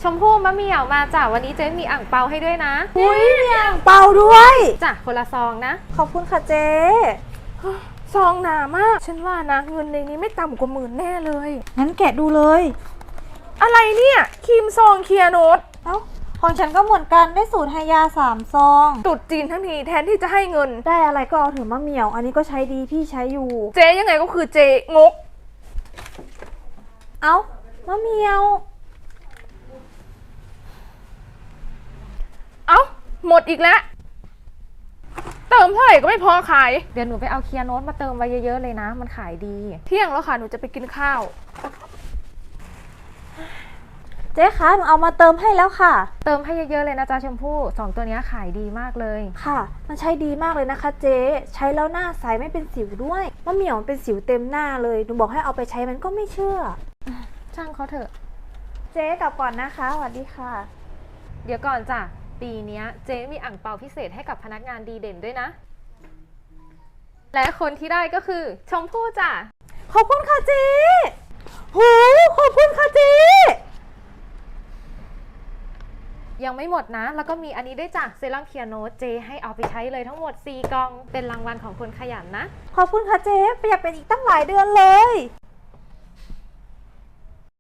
ชมพู่มะเหมี่ยวมาจ้ะวันนี้เจ๊มีอ่างเปาให้ด้วยนะอุ้ยมีอ่างเปาด้วยจ้ะคนละซองนะขอบคุณค่ะเจ๊ซองหนามากฉันว่านะเงินในนี้ไม่ต่ำกว่า10,000แน่เลยงั้นแกะดูเลยอะไรเนี่ยครีมซองเคลียร์โนตเอ้าของฉันก็เหมือนกันได้สูตรไฮยา3 ซองตรุดจีนทั้งทีแทนที่จะให้เงินได้อะไรก็เอาเถอะมะเหมี่ยว อันนี้ก็ใช้ดีพี่ใช้อยู่เจ๊ยังไงก็คือเจ๊งกเอ้ามะเหมี่ยวเอ้าหมดอีกแล้วเติมเท่าไหร่ก็ไม่พอขายเดี๋ยวหนูไปเอาเคลียร์โน้ตมาเติมไว้เยอะๆเลยนะมันขายดีเที่ยงแล้วค่ะหนูจะไปกินข้าวเจ๊คะหนูเอามาเติมให้แล้วค่ะเติมให้เยอะๆเลยนะจ๊ะชมพู่2ตัวนี้ขายดีมากเลยค่ะ มันใช้ดีมากเลยนะคะเจ๊ใช้แล้วหน้าใสไม่เป็นสิวด้วยมะเหมี่ยวมันเป็นสิวเต็มหน้าเลยหนูบอกให้เอาไปใช้มันก็ไม่เชื่อช่างเขาเถอะเจ๊กลับก่อนนะคะสวัสดีค่ะเดี๋ยวก่อนจ้ะปีนี้เจ๊มีอ่างเปาพิเศษให้กับพนักงานดีเด่นด้วยนะ และคนที่ได้ก็คือชมพู่จ้ะขอบคุณค่ะเจ๊หูขอบคุณค่ะเจ๊ยังไม่หมดนะ แล้วก็มีอันนี้ด้วยจ้ะเซรั่มเคลียร์โน้ตเจให้เอาไปใช้เลยทั้งหมด4 กล่องเป็นรางวัลของคนขยันนะขอบคุณค่ะเจ๊ประหยัดเป็นอีกตั้งหลายเดือนเลย